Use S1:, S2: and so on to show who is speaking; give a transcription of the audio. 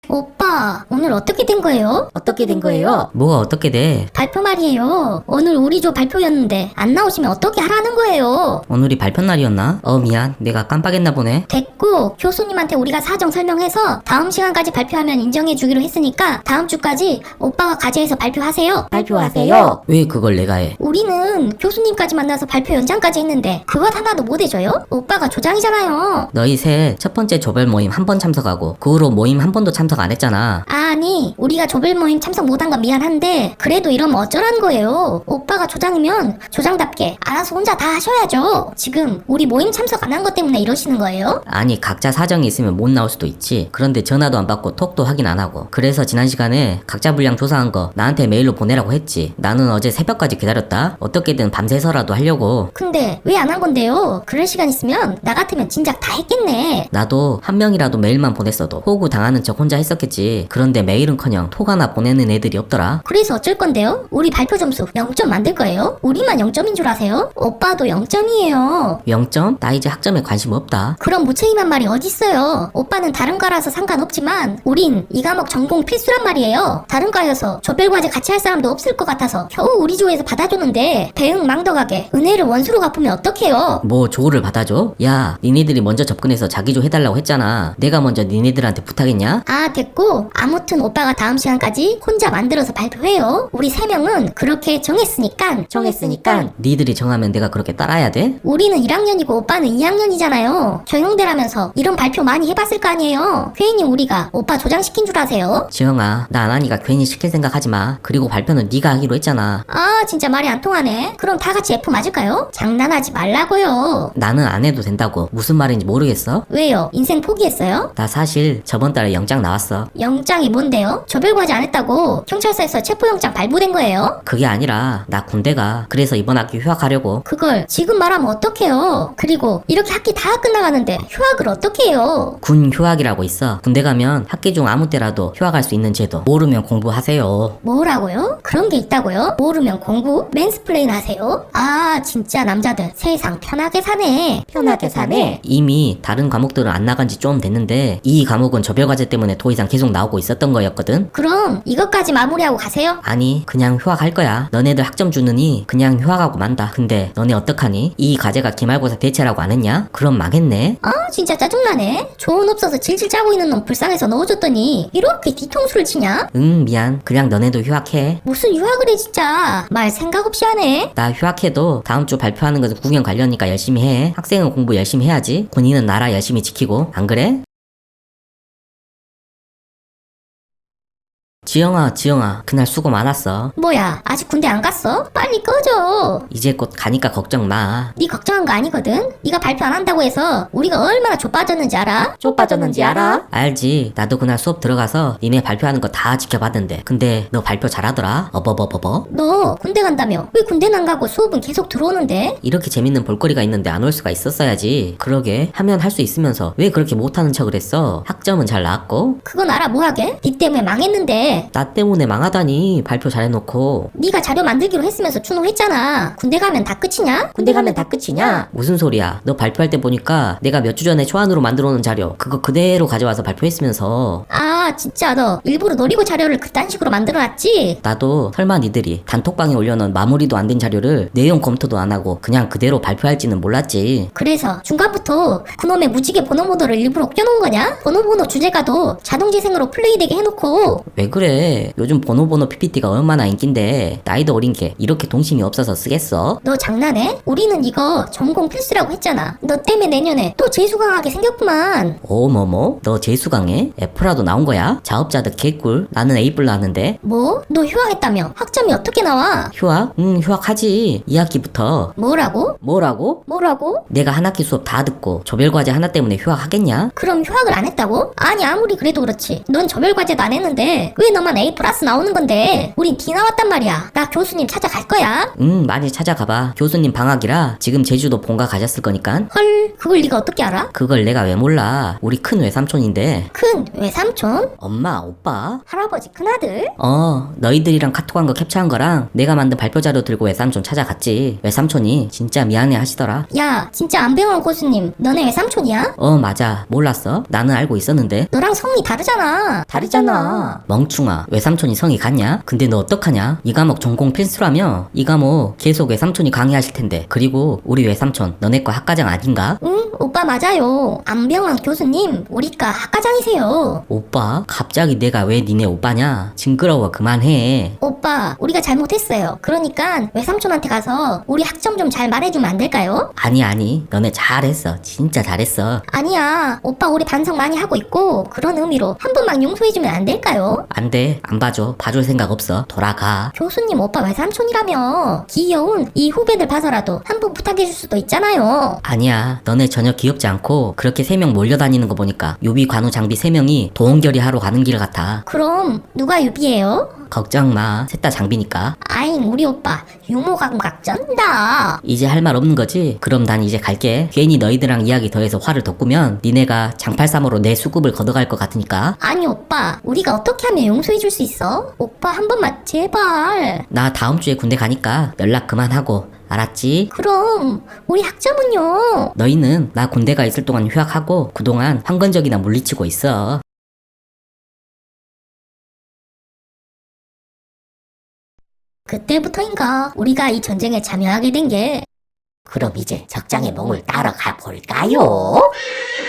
S1: 오빠, 오늘 어떻게 된 거예요?
S2: 어떻게 된 거예요?
S3: 뭐가 어떻게 돼?
S1: 발표 말이에요. 오늘 우리 조 발표였는데 안 나오시면 어떻게 하라는 거예요?
S3: 오늘이 발표 날이었나? 미안. 내가 깜빡했나 보네.
S1: 됐고, 교수님한테 우리가 사정 설명해서 다음 시간까지 발표하면 인정해 주기로 했으니까 다음 주까지 오빠가 과제해서 발표하세요.
S2: 발표하세요.
S3: 왜 그걸 내가 해?
S1: 우리는 교수님까지 만나서 발표 연장까지 했는데 그것 하나도 못 해줘요? 오빠가 조장이잖아요.
S3: 너희 셋 첫 번째 조별 모임 한 번 참석하고 그 후로 모임 한 번도 참석 안 했잖아.
S1: 아니, 우리가 조별 모임 참석 못한 건 미안한데 그래도 이러면 어쩌라는 거예요? 오빠가 조장이면 조장답게 알아서 혼자 다 하셔야죠. 지금 우리 모임 참석 안 한 것 때문에 이러시는 거예요?
S3: 아니 각자 사정이 있으면 못 나올 수도 있지. 그런데 전화도 안 받고 톡도 확인 안 하고. 그래서 지난 시간에 각자 분량 조사한 거 나한테 메일로 보내라고 했지. 나는 어제 새벽까지 기다렸다. 어떻게든 밤새서라도 하려고.
S1: 근데 왜 안 한 건데요? 그럴 시간 있으면 나 같으면 진작 다 했겠네.
S3: 나도 한 명이라도 메일만 보냈어도 호구 당하는 척 혼자 했었겠지. 그런데 메일은커녕 톡 하나 보내는 애들이 없더라.
S1: 그래서 어쩔 건데요? 우리 발표 점수 0점 만들 거예요? 우리만 0점인 줄 아세요? 오빠도 0점이에요.
S3: 0점? 나 이제 학점에 관심 없다.
S1: 그런 무책임한 말이 어딨어요. 오빠는 다른 과라서 상관없지만 우린 이 과목 전공 필수란 말이에요. 다른 과여서 조별과제 같이 할 사람도 없을 것 같아서 겨우 우리 조에서 받아주는데 대응 망덕하게 은혜를 원수로 갚으면 어떡해요?
S3: 뭐 조를 받아줘? 야 니네들이 먼저 접근해서 자기조 해달라고 했잖아. 내가 먼저 니네들한테 부탁했냐?
S1: 아, 됐고 아무튼 오빠가 다음 시간까지 혼자 만들어서 발표해요. 우리 3명은 그렇게 정했으니까.
S3: 니들이 정하면 내가 그렇게 따라야 돼?
S1: 우리는 1학년이고 오빠는 2학년이잖아요. 조용대라면서 이런 발표 많이 해봤을 거 아니에요. 괜히 우리가 오빠 조장시킨 줄 아세요?
S3: 지영아 나 안 하니까 괜히 시킬 생각 하지마. 그리고 발표는 네가 하기로 했잖아.
S1: 아, 진짜 말이 안 통하네. 그럼 다 같이 F 맞을까요? 장난하지 말라고요.
S3: 나는 안 해도 된다고. 무슨 말인지 모르겠어?
S1: 왜요? 인생 포기했어요?
S3: 나 사실 저번 달에 영장 나왔어.
S1: 영장이 뭔데요? 조별과제 안 했다고 경찰서에서 체포영장 발부된 거예요?
S3: 그게 아니라 나 군대가. 그래서 이번 학기 휴학하려고.
S1: 그걸 지금 말하면 어떡해요? 그리고 이렇게 학기 다 끝나가는데 휴학을 어떻게 해요?
S3: 군 휴학이라고 있어. 군대 가면 학기 중 아무 때라도 휴학할 수 있는 제도. 모르면 공부하세요.
S1: 뭐라고요? 그런 게 있다고요? 모르면 공부? 맨스플레인 하세요? 아, 진짜 남자들 세상 편하게 사네.
S2: 편하게 사네.
S3: 이미 다른 과목들은 안 나간 지 좀 됐는데 이 과목은 조별과제 때문에 더 이상 계속 나오고 있었던 거였거든.
S1: 그럼 이것까지 마무리하고 가세요?
S3: 아니 그냥 휴학할 거야. 너네들 학점 주느니 그냥 휴학하고 만다. 근데 너네 어떡하니? 이 과제가 기말고사 대체라고 안 했냐? 그럼 망했네.
S1: 아, 진짜 짜증나네. 조언 없어서 질질 짜고 있는 놈 불쌍해서 넣어줬더니 이렇게 뒤통수를 치냐?
S3: 응 미안. 그냥 너네도 휴학해.
S1: 무슨 유학을 해 진짜. 말 생각 없이 하네.
S3: 나 휴학해도 다음 주 발표하는 것은 구경 관련이니까 열심히 해. 학생은 공부 열심히 해야지. 군인은 나라 열심히 지키고. 안 그래? 지영아 그날 수고 많았어.
S1: 뭐야, 아직 군대 안 갔어? 빨리 꺼져.
S3: 이제 곧 가니까 걱정 마.
S1: 네 걱정한 거 아니거든? 네가 발표 안 한다고 해서 우리가 얼마나 좆빠졌는지 알아?
S2: 쪽 빠졌는지 알아?
S3: 알지. 나도 그날 수업 들어가서 니네 발표하는 거 다 지켜봤는데. 근데 너 발표 잘하더라. 어버버버버.
S1: 너 군대 간다며? 왜 군대는 안 가고 수업은 계속 들어오는데?
S3: 이렇게 재밌는 볼거리가 있는데 안 올 수가 있었어야지. 그러게 하면 할 수 있으면서 왜 그렇게 못하는 척을 했어? 학점은 잘 나왔고.
S1: 그건 알아 뭐하게? 네 때문에 망했는데.
S3: 나 때문에 망하다니. 발표 잘해놓고.
S1: 네가 자료 만들기로 했으면서 추노했잖아. 군대 가면 다 끝이냐?
S2: 군대 가면 다 끝이냐?
S3: 무슨 소리야. 너 발표할 때 보니까 내가 몇 주 전에 초안으로 만들어 놓은 자료 그거 그대로 가져와서 발표했으면서.
S1: 아, 진짜 너 일부러 노리고 자료를 그딴 식으로 만들어놨지?
S3: 나도 설마 니들이 단톡방에 올려놓은 마무리도 안 된 자료를 내용 검토도 안 하고 그냥 그대로 발표할지는 몰랐지.
S1: 그래서 중간부터 그놈의 무지개 번호 모드를 일부러 껴놓은 거냐? 번호 주제가도 자동재생으로 플레이되게 해놓고.
S3: 왜 그래? 요즘 번호 PPT가 얼마나 인기인데 나이도 어린 게 이렇게 동심이 없어서 쓰겠어?
S1: 너 장난해? 우리는 이거 전공 필수라고 했잖아. 너 때문에 내년에 또 재수강하게 생겼구만.
S3: 뭐뭐? 너 재수강해? F라도 나온 거야? 자업자득 개꿀. 나는 A+ 나왔는데.
S1: 뭐? 너 휴학했다며? 학점이 어떻게 나와?
S3: 휴학? 응 휴학하지. 2학기부터.
S1: 뭐라고?
S3: 내가 한 학기 수업 다 듣고 조별과제 하나 때문에 휴학하겠냐?
S1: 그럼 휴학을 안 했다고? 아니, 아무리 그래도 그렇지. 넌 조별과제도 안 했는데 왜 너만 A+ 나오는 건데? 우린 D 나왔단 말이야. 나 교수님 찾아갈 거야.
S3: 응 많이 찾아가봐. 교수님 방학이라 지금 제주도 본가 가셨을 거니까.
S1: 헐, 그걸 네가 어떻게 알아?
S3: 그걸 내가 왜 몰라. 우리 큰 외삼촌인데.
S1: 큰 외삼촌?
S3: 엄마, 오빠?
S1: 할아버지 큰아들?
S3: 너희들이랑 카톡한 거 캡처한 거랑 내가 만든 발표 자료 들고 외삼촌 찾아갔지. 외삼촌이 진짜 미안해 하시더라.
S1: 야, 진짜 안병환 고수님, 너네 외삼촌이야?
S3: 맞아. 몰랐어? 나는 알고 있었는데.
S1: 너랑 성이 다르잖아.
S2: 다르잖아.
S3: 멍충아, 외삼촌이 성이 같냐? 근데 너 어떡하냐? 이 과목 전공 필수라며? 이 과목 계속 외삼촌이 강의하실 텐데. 그리고 우리 외삼촌 너네 과 학과장 아닌가?
S1: 응, 오빠 맞아요. 안병환 교수님, 우리과 학과장이세요.
S3: 오빠? 갑자기 내가 왜 니네 오빠냐? 징그러워, 그만해.
S1: 오빠, 우리가 잘못했어요. 그러니까 외삼촌한테 가서 우리 학점 좀 잘 말해주면 안 될까요?
S3: 아니, 너네 잘했어. 진짜 잘했어.
S1: 아니야, 오빠 우리 반성 많이 하고 있고 그런 의미로 한 번만 용서해주면 안 될까요?
S3: 안 돼, 안 봐줘. 봐줄 생각 없어. 돌아가.
S1: 교수님 오빠 외삼촌이라며. 귀여운 이 후배들 봐서라도 한 번 부탁해줄 수도 있잖아요.
S3: 아니야, 너네 전혀 귀엽지 않고 그렇게 3명 몰려다니는 거 보니까 유비 관우 장비 3명이 도원결의 하러 가는 길 같아.
S1: 그럼 누가 유비예요?
S3: 걱정 마, 셋 다 장비니까.
S1: 아잉 우리 오빠 유머 감각 쩐다.
S3: 이제 할 말 없는 거지? 그럼 난 이제 갈게. 괜히 너희들랑 이야기 더해서 화를 돋구면 니네가 장팔삼으로 내 수급을 걷어갈 것 같으니까.
S1: 아니 오빠, 우리가 어떻게 하면 용서해줄 수 있어? 오빠 한 번만 제발.
S3: 나 다음 주에 군대 가니까 연락 그만하고, 알았지?
S1: 그럼 우리 학점은요?
S3: 너희는 나 군대가 있을 동안 휴학하고 그동안 황건적이나 물리치고 있어.
S1: 그때부터인가 우리가 이 전쟁에 참여하게 된 게.
S2: 그럼 이제 적장의 몸을 따라가 볼까요?